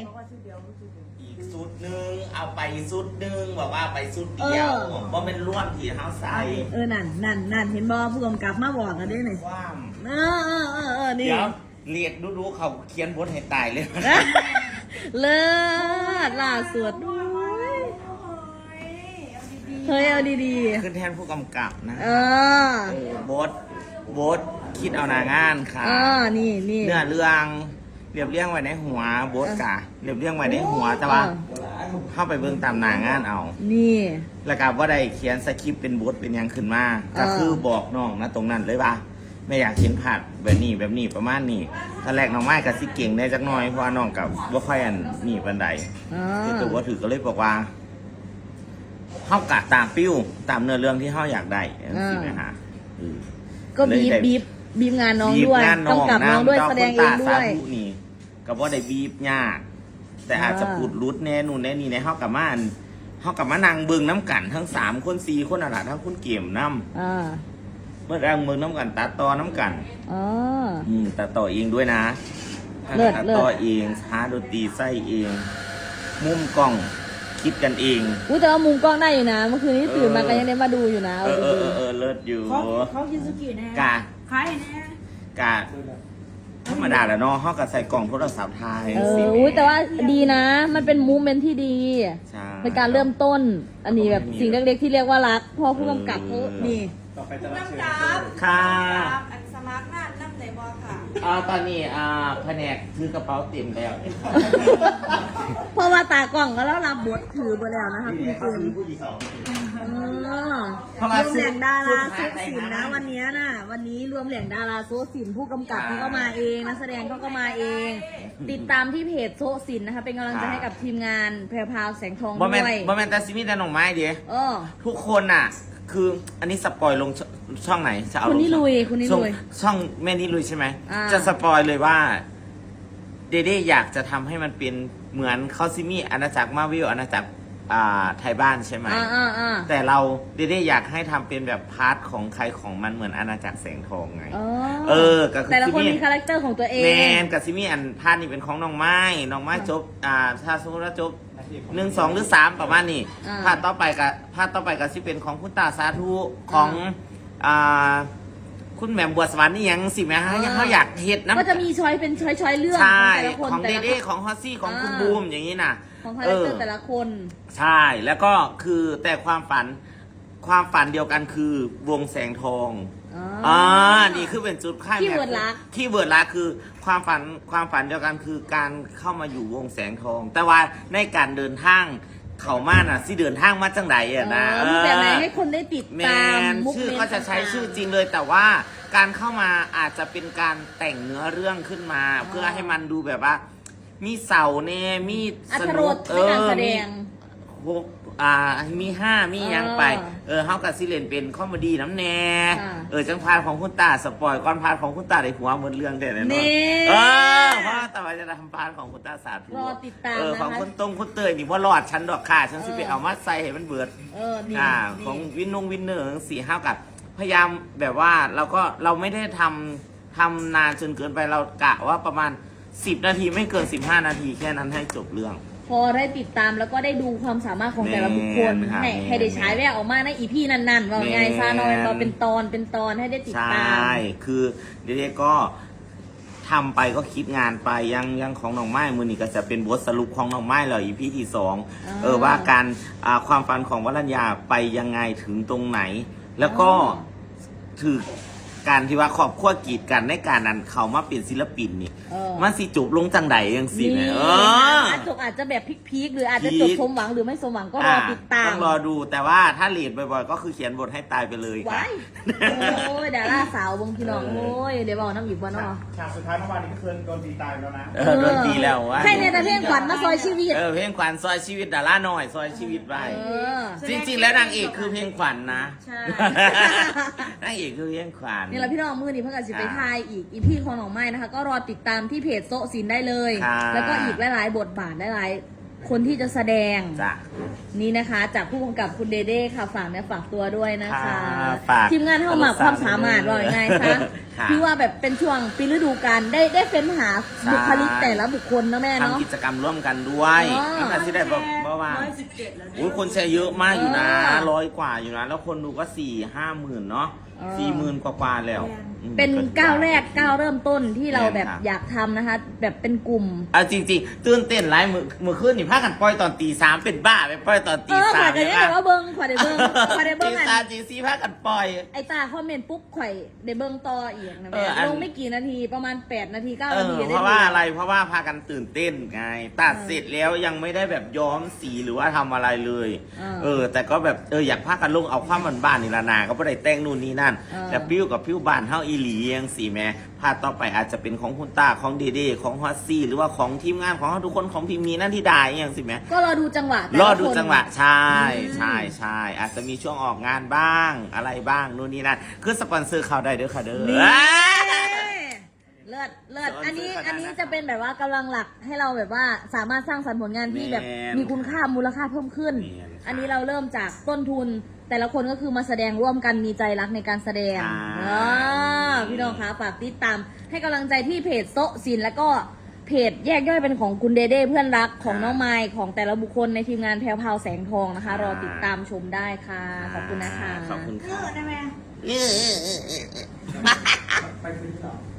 อีกสุดหนึ่งเอาไปสุดหนึ่งบอกว่าไปสุดเดียวเพราะเป็นร่วมที่เท้าใส่นั่นเห็นบอผู้กำกับมาบอกกันได้ไหมความนี่เดี๋ยวเรียกดูเขาเขียนบทให้ตายเลยเลิศล่าสุดด้วยเฮ้ยเอาดีขึ้นแทนผู้กำกับนะบทคิดเอาหนางานค่ะนี่เนื้อเรื่องเรียบเรียงไว้ในหัวบทกะเรียบเรียงไว้ในหัวแต่ว่าเข้าไปเบิ่งตามหนางานเอานี่แล้วก็ว่าได้เขียนสคริปต์เป็นบทเป็นยังขึ้นมาก็คือบอกน้องนะตรงนั้นเลยป่ะไม่อยากเห็นผัดแบบนี้ประมาณนี้ถ้าแรกน้องไม้กับสิเก่งได้จักหน่อยเพราะว่าน้องกับว่าค่อยอันนี่บันไดแต่ว่าถือก็เลยบอกว่าเข้ากะตามปิ้วตามเนื้อเรื่องที่เข้าอยากได้สิไหมฮะก็บีบงานน้องด้วยต้องกับน้องด้วยแสดงเองด้วยนี่กับว่าได้บีบยากแต่อาจจะพูดรุดแน่นู่นแน่นี่ในเข้ากับมานั่งเบิ่งน้ำกันทั้ง3 คน 4 คนอะไรทั้งคุณเกี่ยมน้ำเมื่อแรงเบิ่งน้ำกันตัดต่อน้ำกันตัดต่อเองด้วยนะตัดต่อเองหาดนตรีใส่เองมุมกล้องคิดกันเองแต่ว่ามุมกล้องได้อยู่นะเมื่อคืนนี้ตื่นมาก็ยังได้มาดูอยู่นะเลิศอยู่เขาคิดสกิลแน่กาใครแน่กาธรรมดาแหละเนาะเขาก็ใส่กล่องโทรศัพท์ไทยแต่ว่าดีนะมันเป็นมูเมนต์ที่ดีเป็นการเริ่มต้นอันนี้แบบสิ่งเล็กๆที่เรียกว่ารักพอผู้กำกับเขานี่น้ำจับค่ะสมัครงานน้ำใจบอค่ะตอนนี้แผนกถือกระเป๋าเต็มแล้วเพราะว่าตากล่องก็แล้วรับบทถือไปแล้วนะคะคุณเจมรวมแหล่งดาราโซสินนะวันนี้รวมแหล่งดาราโซสินผู้กำกับเขาก็มาเองนักแสดงเขาก็มาเองติดตามที่เพจโซสินนะคะเป็นกำลังใจให้กับทีมงานแพรวพราวแสงทองด้วยบอมแมนตาซิมิแต่หน่องไม้เดียวทุกคนอ่ะคืออันนี้สปอยลงช่องไหนจะเอาคุณนี่ลุยช่องแม่นี่ลุยใช่ไหมจะสปอยเลยว่าเดเด้อยากจะทำให้มันเป็นเหมือนเขาซิมี่อาณาจักรมาวิลอาณาจักรไทยบ้านใช่ไหมแต่เราเดเด้อยากให้ทำเป็นแบบพาร์ทของใครของมันเหมือนอาณาจักรแสงทองไงกับแต่ละคนมีคาแรคเตอร์ของตัวเองแมนกับซิมี่อันพาร์ทนี้เป็นของน้องไม้จบถ้าสมมติว่าจบ1 2 หรือ 3ประมาณนี้ภาคต่อไปกับที่เป็นของคุณตาสาธุของคุณแหม่มบัวสวรรค์นี่ยังสิแม่ฮะยังเขาอยากเห็ดนะก็จะมีช้อยเป็นช้อยเรื่องใช่ของเดเด้ของฮอสซี่ของคุณบูมอย่างนี้น่ะของคาแรคเตอร์แต่ละคนใช่แล้วก็คือแต่ความฝันเดียวกันคือวงแสงทองนี่คือเป็นจุดค่ายที่เวิร์ดลักคือความฝันเดียวกันคือการเข้ามาอยู่วงแสงทองแต่ว่าในการเดินทางเขามาน่ะสิเดินทางมาจังไหนนะแบบไหนให้คนได้ติดตามชื่อก็จะใช้ชื่อจริงเลยแต่ว่าการเข้ามาอาจจะเป็นการแต่งเนื้อเรื่องขึ้นมาเพื่อให้มันดูแบบว่ามีเสาเน่มีสนุกในการแสดงมี5มียังไปเขากับซิเลนเป็นคอมเมดี้น้ำแน่จังพาร์ทของคุณตาสปอยก่อนพาร์ทของคุณตาในหัวเหมือนเรื่องเด็ดเลยเนาะเพราะต่อไปจะทำพาร์ทของคุณตาสาธุรอติดตามของคุณเตยนี่ว่ารอดฉันดอกค่ะฉันสิไปเอามาใส่ให้มันเบิดของวินเนอร์4-5กับพยายามแบบว่าเราไม่ได้ทำนานจนเกินไปเรากะว่าประมาณ10 นาทีไม่เกิน15 นาทีแค่นั้นให้จบเรื่องพอได้ติดตามแล้วก็ได้ดูความสามารถของแต่ละบุคคลให้ได้ใช้แววออกมาในอีพีนั้นๆว่าไงซาโนยเราเป็นตอนให้ได้ติดตามใช่คือเด็กๆก็ทำไปก็คิดงานไปยังของน้องไม้มือนี่ก็จะเป็นบทสรุปของน้องไม้เลยอีพีที่2ว่าการความฝันของวรัญญาไปยังไงถึงตรงไหนแล้วก็ถือการที่ว่าครอบครัวกีดกันในการนั้นเขามาเป็นศิลปินนี่มันสิจบลงจังใดยังสิเนี่ยอาจจะแบบพีคหรืออาจจะจบสมหวังหรือไม่สมหวังก็รอติดตามต้องรอดูแต่ว่าถ้าเลดบ่อยๆก็คือเขียนบทให้ตายไปเลยค่ะโอ้ยดาราสาววงพี่น้องโอ้ยเดี๋ยวบอกน้ำหยิบวันเนาะฉากสุดท้ายเมื่อวานนี้ก็คือโดนตีตายแล้วนะโดนตีแล้ววะใช่ในแต่เพลงขวัญมาซอยชีวิตเพลงขวัญซอยชีวิตดาราหน่อยซอยชีวิตไปจริงๆแล้วนางเอกคือเพลงขวัญนะใช่นางเอกคือเพลงขวัญนี่แหละพี่น้องมือนี่เพื่อนกันสิไปทายอีพี่ของน้องไม้นะคะก็รอติดตามที่เพจโซสินได้เลยแล้วก็อีกหลายๆบทบาทหลายคนที่จะแสดงจ้ะนี่นะคะจากผู้กำกับคุณเดเด้ค่ะฝากฝากตัวด้วยนะคะค่ะฝากทีมงานเข้ามาความสามารถว่ายังไงคะค่ะพี่ว่าแบบเป็นช่วงปีฤดูกาลได้เฟ้นหาใช่บุคลิกแต่ละบุคคลนะแม่เนาะทำกิจกรรมร่วมกันด้วยอ๋อตั้งแต่ที่ได้บอกว่า 117แล้วโอ้ยคนแชร์เยอะมากอยู่นะเออ 100 กว่าอยู่นะ แล้วคนดูก็4-5 หมื่นเนาะเออ 40,000 กว่าๆแล้วอืมเป็นก้าวแรกก้าวเริ่มต้นที่เราแบบแม่นค่ะอยากทำนะคะ แบบเป็นกลุ่มเอาจริงๆตื่นเต้นหลายมือขึ้นนี่พากันปล่อยตอนตี 3เป็นบ้าไปปล่อยตอนเอตีอขวั 3 ญกันยังไงว่าเบิ้งขวัญได้เบิ้งขวัญได้เบิ้งตีอันสามตีสี่พากันปล่อยไอตาคอมเมนต์ปุ๊บข่อยได้เบิ้งต่ออีกนะเอแม่ออันลงไม่กี่นาทีประมาณ8 นาที 9 เอนาอทีเพราะว่าอะไรเพราะว่าพากันตื่นเต้นไงตัดเสร็จแล้วยังไม่ได้แบบย้อมสีหรือว่าทำอะไรเลย แต่ก็แบบอยากพากันลงเอาความบ้านๆนี่ละนาก็ไม่ได้แต่งนู่นนี่นั่นแต่ปิ้วกับปิ้วบ้านเฮาอีหลียังสีแม่พาต่อไปอาจจะเป็นของคุณตาของเดเดของฮอตซี่หรือว่าของทีมงานของทุกคนของพิมพ์นี้นั่นที่ได้ยังสิแม่ก็รอดูจังหวะแต่รละอดูคนจังหวะใช่ใช่ใช่อาจจะมีช่วงออกงานบ้างอะไรบ้างนู่นนี่นั่นคือสปอนเซอร์เขาได้เด้อค่ะเด้อเลิศเลิศสอนอันนี้ซื้อขนาดนั้นอันนี้จะเป็นแบบว่ากำลังหลักให้เราแบบว่าสามารถสร้างสรรค์ผลงานที่แบบแม่นมีคุณค่ามูลค่าเพิ่มขึ้นแม่นค่ะอันนี้เราเริ่มจากต้นทุน แต่ละคนก็คือมาแสดงร่วมกันมีใจรักในการแสดงใช่พี่น้องคะฝากติดตามให้กำลังใจที่เพจโซะศิลป์แล้วก็เพจแยกย่อยเป็นของคุณเดเด้เพื่อนรักของน้องไมค์ของแต่ละบุคคลในทีมงานแพรวพราวแสงทองนะคะ รอติดตามชมได้ค่ะขอบคุณนะคะขอบคุณเอค่ะอนะแม่ไปพื้นที่หรอ